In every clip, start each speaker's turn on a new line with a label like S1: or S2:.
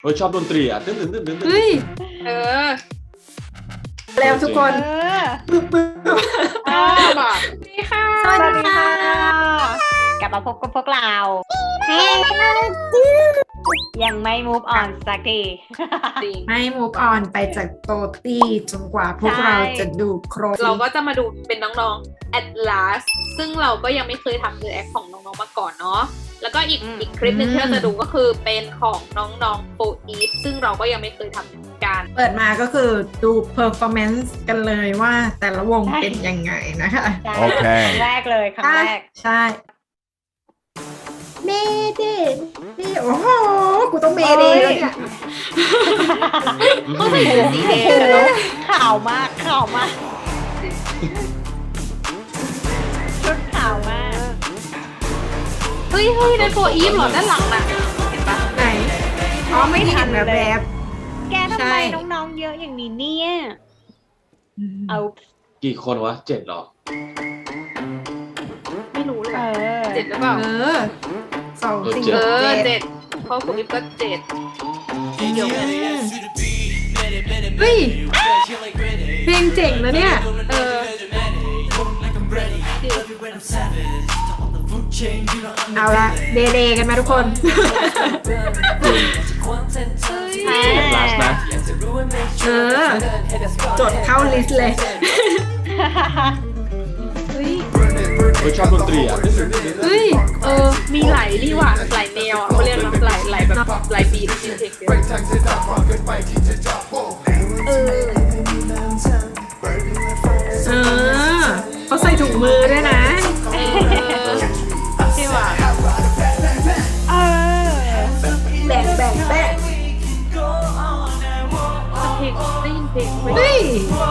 S1: ชอบดนตรีอ่ะตึ้งตึ้งตึ้งตึ้ง
S2: เฮ้ย
S3: เออ
S2: แล้วทุกคน
S3: บอกดีค่ะ
S2: สวัสดีค่ะ
S4: กลับมาพบกับพวกเรายังไม่ move on สักที
S3: จริง
S2: ให้ move on ไปจากโตตี้จนกว่าพวกเราจะดูครบ
S3: เราก็จะมาดูเป็นน้องๆ at last ซึ่งเราก็ยังไม่เคยทำ react ของน้องๆมาก่อนเนาะแล้วก็อีกคลิปหนึงที่เราจะดูก็คือเป็นของน้องๆ 4 Eve ซึ่งเราก็ยังไม่เคยทำเหมือนกัน
S2: เปิดมาก็คือดู performance กันเลยว่าแต่ละวงเป็นยังไงนะคะ
S4: ใช่
S5: โอเค
S4: ครั้งแรกเลยครั้งแรก
S2: ใช่เมเดนี่โอ้โห กูต้องเมเดแล้วเนี่ย
S3: ก็ใส่เสื้อสีแดงอะเนาะ
S4: ข่าวมากข่าวมากชุดข่าวมาก
S3: เฮ้ยใน4 Eve เหรอด้านหลังน่ะเห็นปะ
S2: ไหนอ๋อไม่ทันแบบแบบ
S4: แกทำ
S2: ใช่
S4: ไมน้องๆเยอะอย่างนี้เนี่ยเอา
S1: กี่คนวะ7หรอ
S3: ไม่รู้เลย
S4: เออ
S3: 7หรือเปล่า
S2: สองสี่
S3: เออ
S2: เจ็ด
S3: 7เพราะ4 Eve ก็7เดี๋ยวกัน
S2: เฮ้ยเพลงเจ๋งนะเนี่ย
S3: เออ
S2: เอาละเดกันมาทุกคน
S3: เฮ้ย
S1: ลาสนะ
S2: เออ จดเข้าลิสต์เลย
S3: เฮ้ย
S1: ชอบดนตรีอ่ะตึ้งตึ้งตึ้งตึ้ง
S2: เฮ้ย
S3: มีหลายนี่หว่าหลายแนวอ่ะเขาเรียกนะหลายแบบหลายบีทจริงๆเออ
S2: เออเขาใส่ถุงมือด้วยนะ
S3: ใช่ว่ะ
S4: เออ
S2: แบก
S3: เพลงได้ยินเพลงไหม
S2: เฮ้ย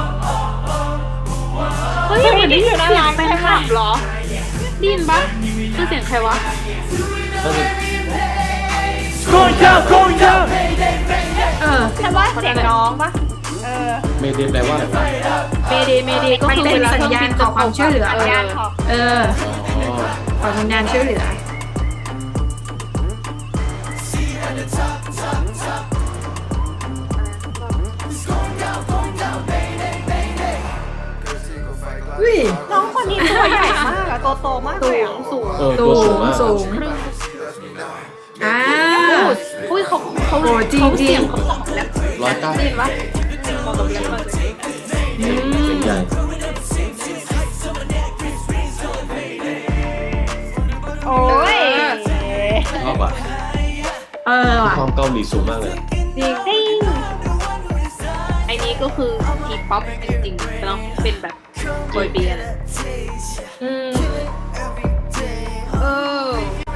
S3: เฮ้ยเหมือนได้ยินเสียงแฟนคลับเหรอได้ยินปะคือเสียงใครวะ
S1: น่าจะ
S2: เออ
S4: ฉันว่าเสียงน้องปะเออ
S1: เมเดแปลว่าอะไรวะ
S3: เมเดก็
S2: มัน
S3: คือ
S2: เป็น
S3: เวลา
S2: สัญญาณขอความช่วยเหลือ
S4: สัญญาณขอ
S2: เออ
S1: อ๋อ
S2: ขอสัญญาณช่วยเหลือ เฮ้ย
S4: น้องคนนี้ตัวใหญ่มากอะตัวโตมากเลยอะ
S3: สูง
S1: ตัวสูงมาก
S2: สูงอ่า
S3: อุ้ยเขา
S2: โอ้จริง
S3: เสียงเขาเหมาะกับแรป
S1: 109
S3: ได้ยินปะเหมาะกับแรปมากเลย
S2: อืม
S1: ใหญ่
S4: โอ้ย
S1: ชอบอ่ะ
S2: เออว่ะ
S1: ความเกาหลีสูงมากเลย
S3: จริง
S4: จริง
S3: ไอ้นี้ก็คือทีป๊อปจริงๆเนาะเป็นแบบบอยเบียนด์
S2: อืม
S3: เออ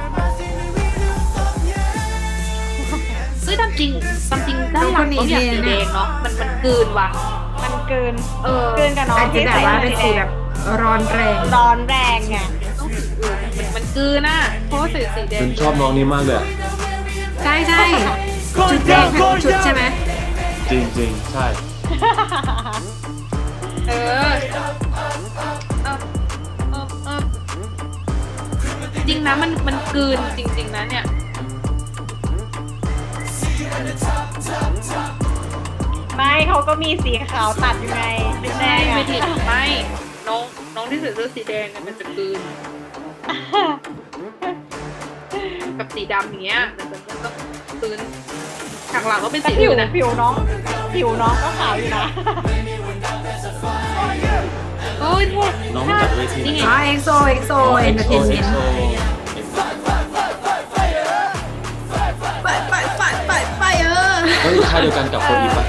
S3: เฮ้ยตามจริงด้านหลังเขาอยากสีแดงเนาะมันกลืนว่ะ
S4: มันเกิน
S3: เออ
S4: เกินกับน้อง
S2: อาจจะ
S4: ที่
S2: แบบ
S4: ใส่
S2: ว่าเป็นสีแบบร้อนแรง
S4: ร้อนแรงไง
S3: ต้องสีอื่นมันกลืนน่ะเพราะว่าใส่สีแดง
S1: ฉันชอบน้องนี้มากเลยอะ
S2: ใช่ใช่ชุดแดงทั้งชุดใช่ไหม
S1: จริงจริงใช่
S3: เออจริงนะมันกลืนจริงๆนะเนี่ย
S4: ไม่เขาก็มีสีขาวตัดอยู่ไง
S3: ไม่
S4: แน่
S3: ใช่
S4: ไง
S3: ไม่ผิดไม่น้องที่ใส่เสื้อสีแดงเนี่ยมันจะกลืนกับสีดำอย่างเงี้ยมันต้องกลืนฉากหลังก็เป็น
S4: แต่
S3: สีอื่นนะ
S4: ผิวน้องก็ขาวอยู่นะ
S3: โอ้ยเท่
S1: น้องมาจากเวที
S3: นี่ไง
S2: อ๋อเอ็กโซเอ็กโซเอ็นเตอร์เทนเมนต์ไปเออ
S1: เฮ้ยค่ายเดียวกันกับโฟอีปะ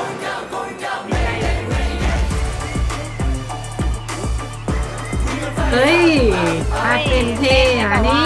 S2: เฮ้ยถ้าเป็นเท่อะเนี่ย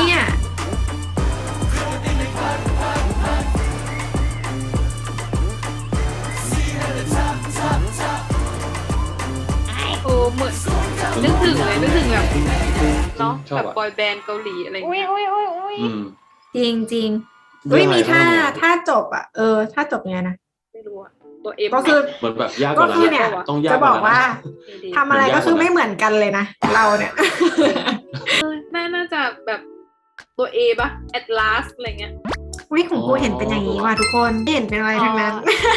S3: โอ้เหมือนนึกถึงแบบเนาะ
S1: ชอ
S3: แบบ บ
S1: อ่ะ
S3: บอยแบนด์เกาหลีอะไรอย่าง
S4: อุ้ย
S3: เงี้ย
S4: อุ้ย
S1: อืม
S2: จริงจริง
S1: เรื่
S2: เฮ้
S1: อย งอะไร
S2: มีท่า
S1: บ้างเนี่ย
S2: ท่าจบอ่ะ ท่าจบไงนะ
S3: ไม่รู้อะตัวเอ็ม
S2: ก็คือ
S1: เหมือนแบบยากก
S2: ก็
S1: ว่านั้น
S2: คือเนี่ย
S1: อะต้องยาก
S2: จะ
S1: ก
S2: บ
S1: ว่า
S2: อก
S1: นั้น
S2: ว่า
S1: นะ
S2: ทำอะไรก็คือไม่เหมือนกันเลยนะ เราเนี่ย
S3: น่าจะแบบตัวเอปะ at last อะไรเงี้ย
S2: อุ้ยของกูเห็นเป็นอย่างนี้ว่ะทุกคนไม่เห็นเป็นอะไรทั้งนั้น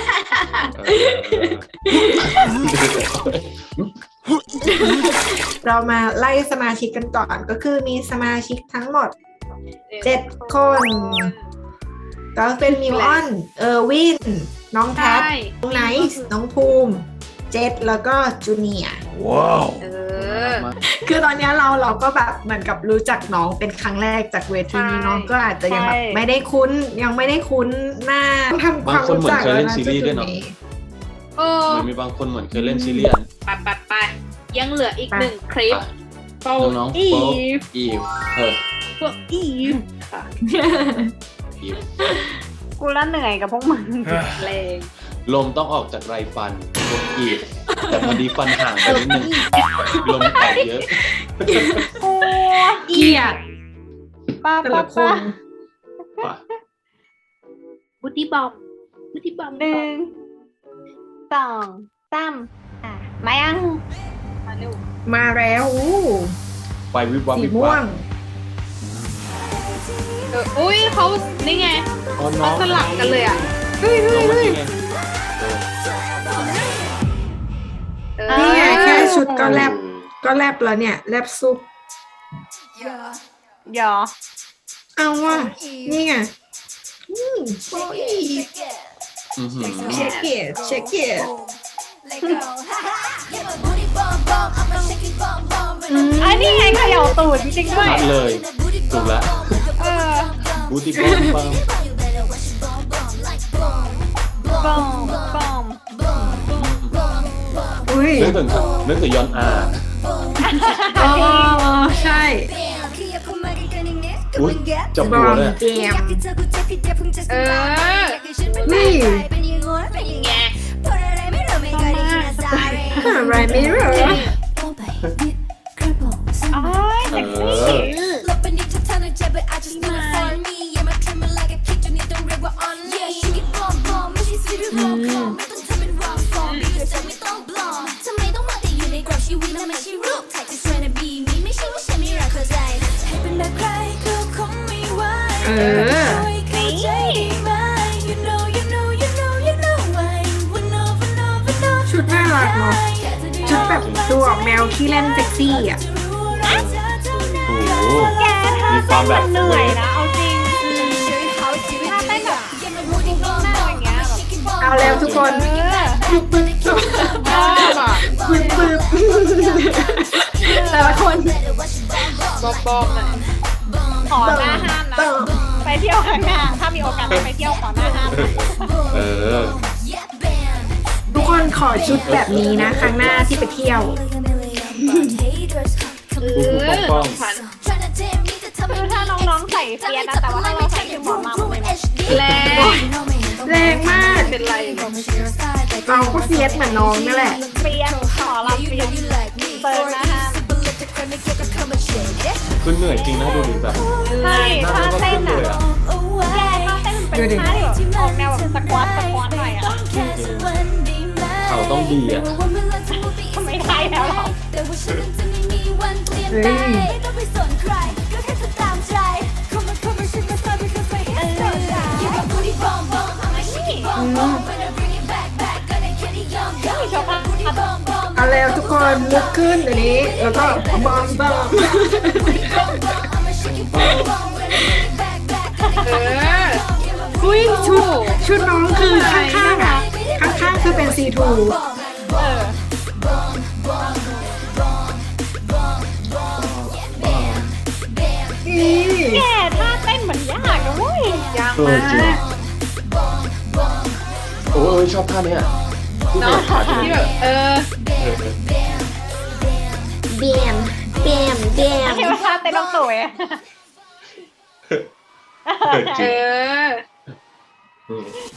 S2: เรามาไล่สมาชิกกันก่อนก็คือมีสมาชิกทั้งหมด 7 คน ก็เป็นมิวออน เออร์วิน น้องแพท
S3: ใช่
S2: น้องไนซ์น้องภูมิ เจษแล้วก็จูเนียร์
S3: เออ
S2: คือตอนเนี้ยเราก็แบบเหมือนกับรู้จักน้องเป็นครั้งแรกจากเวทีนี้
S3: ใช่
S2: น้องก็อาจจะยังแบบ
S4: ใช่
S2: ไม่ได้คุ้นยังไม่ได้คุ้นหน้าต้องทำความรู้จัก
S1: บางคนเหมือนเคยเล่นซีรีส์ด้วยเนอะ
S3: เออ
S1: มันมีบางคนเหมือนเคยเล่นซีรีส์อะ
S3: ไปยังเหลืออีกหนึ่งคลิป
S1: ไปน้องๆโป๊ปอีฟ
S3: พวกอีฟค่ะ
S1: อีฟ
S4: กูละเหนื่อยกับพวกมึง
S3: แรง
S1: ลมต้องออกจากไรฟันโป๊ปอีฟแต่พอดีฟันห่างไปนิดนึงลมออกเยอะ
S4: โอ้
S2: เกลียด
S4: ป้า
S2: แต่
S4: ป้า
S2: ละค
S4: ป้าน
S1: ป่ะ
S3: บูตี้บอม
S4: หนึ่งสองสามมายัง
S3: มาเร็ว
S2: มาแล้วอู้
S1: ไฟวิบวับ
S2: สี
S1: วิบ
S2: ม่ว
S1: วั
S2: ง
S1: บ
S3: อุ้ยเขานี่ไง
S1: อ๋อน้
S3: เขา
S1: อง
S3: สลับกันเลยอ่ะ
S1: น้องเมื่อกี้ไง
S2: นี่ไงแค่ชุดก็แลบแล้วเนี่ยแลบซุป
S4: หยอ
S2: เอาว่ะนี่ไงโอ้ย
S1: อื้อหือ
S2: เช็คเกตเช็คเกต
S4: อันนี้ไงเขย่าตูดจริงๆด้วย
S1: ชัดเลยถูกแล้ว
S4: เออ
S1: บูติปังปัง
S4: บอมบอม
S2: อุ้ย
S1: นึกถึงย้อนอา
S2: อ๋อใช่
S1: อุ้ยจับบ
S2: อ
S1: หัว
S2: ม
S1: เลย
S2: เจม
S3: เออ
S2: นี่
S3: ไง
S2: อะไรไม่รู้
S4: อ้ายเซ็กซี่
S2: เออ ชุดน่ารักเนาะชุดแบบดูออกแนวขี้เล่นเซ็กซี่อ่ะ
S1: โอ้โห
S4: แกถ้า
S1: มีความแบบ
S4: เหนื่อยนะเอาจริงถ้าเต้นแบบหน้าอย่างเงี้ยแบบ
S2: เอาแล้วทุกคน
S4: เออ
S2: ปึ๊บปึ๊บ
S3: ชอบอ่ะ
S2: ปึ๊บปึ๊บแต่ละคน
S3: บอมหน่อย
S4: ขอหน้าห้ามนะไปเที่ยวข้างหน้าถ้ามีโอกาสไปเที่ยวขอหน้าห้ามนะ
S1: เออ
S2: ทุกคนขอชุดแบบนี้นะ ครั้งหน้าที่ไปเที่ยว
S3: ของฉัน
S4: คือถ้าน้องๆใส่เฟียสนะแต่ว่าถ้าเราใส่ชุดหมอมามันเป็น
S3: แรง
S2: แรงมาก
S3: เป็นไร
S2: เราก็เฟียสเหมือนน้องนั่นแหละ
S4: เฟียสขอรับเฟียสเปิดนะฮะ
S1: คือเหนื่อยจริงนะดูดิแบบ
S4: ใช่
S1: หน้า
S4: ถ้า
S1: ก็
S4: เต้
S1: ขึ้
S4: น
S1: นเล
S4: อ่ะ
S1: ยอ่ะ
S4: แย่ถ้าเต้นเป็นท่าที่แบบออกแนวแบบสควอตหน่อยอ่ะ
S1: เขาต้องดีอ่ะ
S4: ไม่ได้แล้วหรอก
S2: เฮ้ย
S4: มีโชว์ภาพ
S2: เอาแล้วทุกคนลุกขึ้นเดี๋ยวนี้ แล้วก็บอมบอม
S3: เออ
S2: อุ้ยชุดน้องคือข้างๆอ่ะ ข้างๆคือเป็นซีทู
S4: เออ
S2: นี่
S4: แย่ท่าเต้นเหมือนยากนะเว้ย
S3: ยาก
S1: เออ
S3: มา
S1: จริง
S3: ก
S1: โอ้ยชอบท่าเนี้ยที่
S3: เนาะ
S1: ขาจะ
S3: ที่แบบเออ
S2: เบียมเบียมเบียม
S4: เทวท่าเต้นต้องสวย
S1: จ
S3: เอ
S1: ริง
S3: อ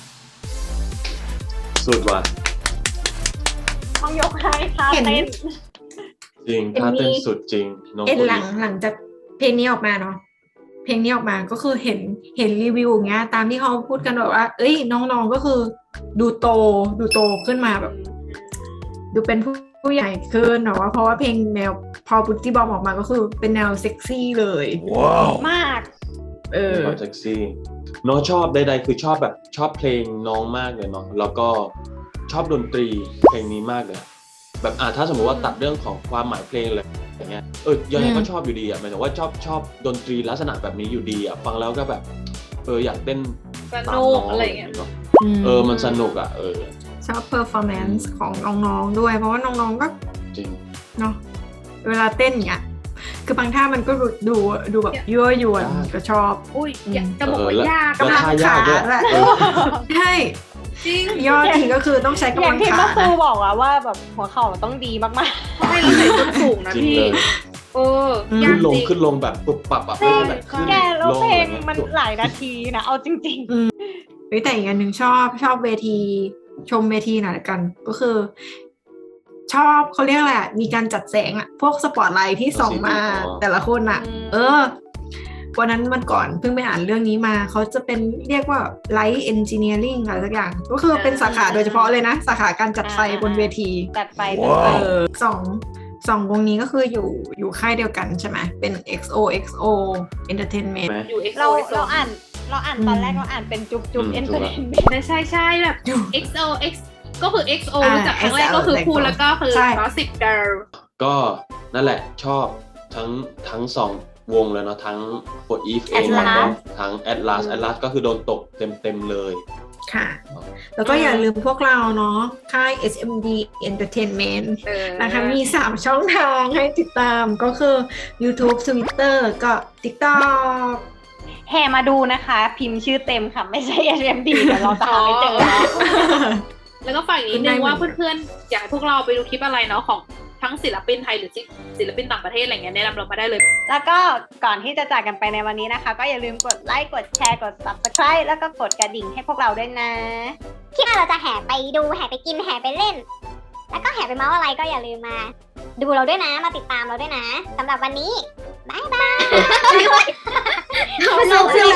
S1: สุดว่ะ
S4: ต้องยกให้ท่าเต้น
S1: จริงท่าเต้นสุดจริงน้อง
S2: เอ็น
S1: คน
S2: หลั
S1: นี้
S2: งจากเพลงนี้ออกมาเนาะ เพลงนี้ออกมาก็คือเห็นรีวิวอย่างเงี้ย ตามที่เขาพูดกันแบบว่า เอ้ยน้องๆก็คือดูโตขึ้นมาแบบ ดูเป็นผู้ใหญ่ขึ้นเนาะเพราะว่าเพลงแนวพอบุตตี้บอมออกมาก็คือเป็นแนวเซ็กซี่เลย
S4: มาก
S1: มีความเซ็กซี่น้องชอบใดๆคือชอบแบบชอบเพลงน้องมากเลยเนาะแล้วก็ชอบดนตรีเพลงนี้มากเลยแบบถ้าสมมติว่าตัดเรื่องของความหมายเพลงเลยอย่างเงี้ยยังไงก็ชอบอยู่ดีหมายถึงว่าชอบดนตรีลักษณะแบบนี้อยู่ดีฟังแล้วก็แบบอยากเต้น
S3: ส
S1: ตาม
S3: นุก
S1: น้อง
S3: อะไรอย่างเงี้ย
S1: เนาะมันสนุก
S2: ชอบ performance ของน้องๆด้วยเพราะว่าน้องๆก็
S1: จริง
S2: เนาะเวลาเต้นอย่างเงี้ยคือบางท่ามันก็ดูแบบยั่วยวนก็ชอบ
S3: อุ้ยอยากจะบอกว่ายาก
S1: แล้วท่ายากด้วย
S2: แหละใช่
S3: จริง
S2: ยอดทีก็คือต้องใช้
S4: อย่าก
S2: ำลั
S4: ง
S2: ง
S4: ที่
S2: ขา
S4: เมื่อครู
S2: นะ
S4: บอกอะว่าแบบหัวเข่าต้องดีมาก
S3: ไม่เราใส่ส้นสูงนะ
S1: จริง
S3: พี่
S1: เลย
S3: ยาก
S1: ขึ้นล
S3: จริง
S1: งแบบปุบปับ
S4: ๆ
S1: ไม่ใช่แบบขึ้น
S4: แกแล้ว
S1: ลง
S4: เพล
S1: อะ
S4: ง
S1: ไรเงี้ย
S4: มันหลายนาทีนะเอาจริง
S2: แต่อีกอันหนึ่งชอบเวทีชมเวทีหน่อยละกัน ก็คือ ชอบเขาเรียกอะไรมีการจัดแสงพวกสปอตไลท์ที่ส่องมาแต่ละคนวันนั้นวันก่อนเพิ่งไปอ่านเรื่องนี้มาเขาจะเป็นเรียกว่า Light Engineering อะไรสักอย่าง ก็คือเป็นสาขาโดยเฉพาะเลยนะ สาขาการจัดไฟบนเวที
S4: ๆ จัดไป
S2: สองวงนี้ก็คืออยู่ค่ายเดียวกันใช่ไหมเป็น XOXO Entertainment
S3: อยู่
S4: เรา
S3: XO
S4: อ่านตอนแรกเราอ่านเป็นจุ๊บ
S1: ถูก
S4: เอนเตอร์เทนเมนต์
S3: ใช่แบบ XO X ก็คือ XO รู้จักครั้งแรกก็คือพูแล้วก็คือ Gossip Girl
S1: ก็นั่นแหละชอบทั้งสองวงเลยเนาะทั้ง For Eve เอง
S4: Atlas
S1: แล้วก็ทั้ง Atlas ก็คือโดนตกเต็มเลย
S2: ค่ะ แล้วก็อย่าลืมพวกเราเนาะค่าย SMD Entertainment นะคะมี 3 ช่องทางให้ติดตามก็คือ YouTube Twitter ก็ TikTok
S4: แห่มาดูนะคะ พิมพ์ชื่อเต็มค่ะ ไม่ใช่ HMD เดี๋ยวเราจะหาไม่เจอเนาะ
S3: แล้วก็ฝากอีกนิดนึงว่าเพื่อนๆอยากให้พวกเราไปดูคลิปอะไรเนาะของทั้งศิลปินไทยหรือศิลปินต่างประเทศอะไรเงี้ยแนะนำเรามาได้เลย
S4: แล้วก็ก่อนที่จะจากกันไปในวันนี้นะคะ ก็อย่าลืมกดไลค์กดแชร์กด Subscribe แล้วก็กดกระดิ่งให้พวกเราด้วยนะ
S5: ที่เราจะแห่ไปดูแห่ไปกินแห่ไปเล่น แล้วก็แห่ไปเมาส์อะไรก็อย่าลืมมา ดูเราด้วยนะมาติดตามเราด้วยนะสำหรับวันนี้บายบาย
S2: สนุก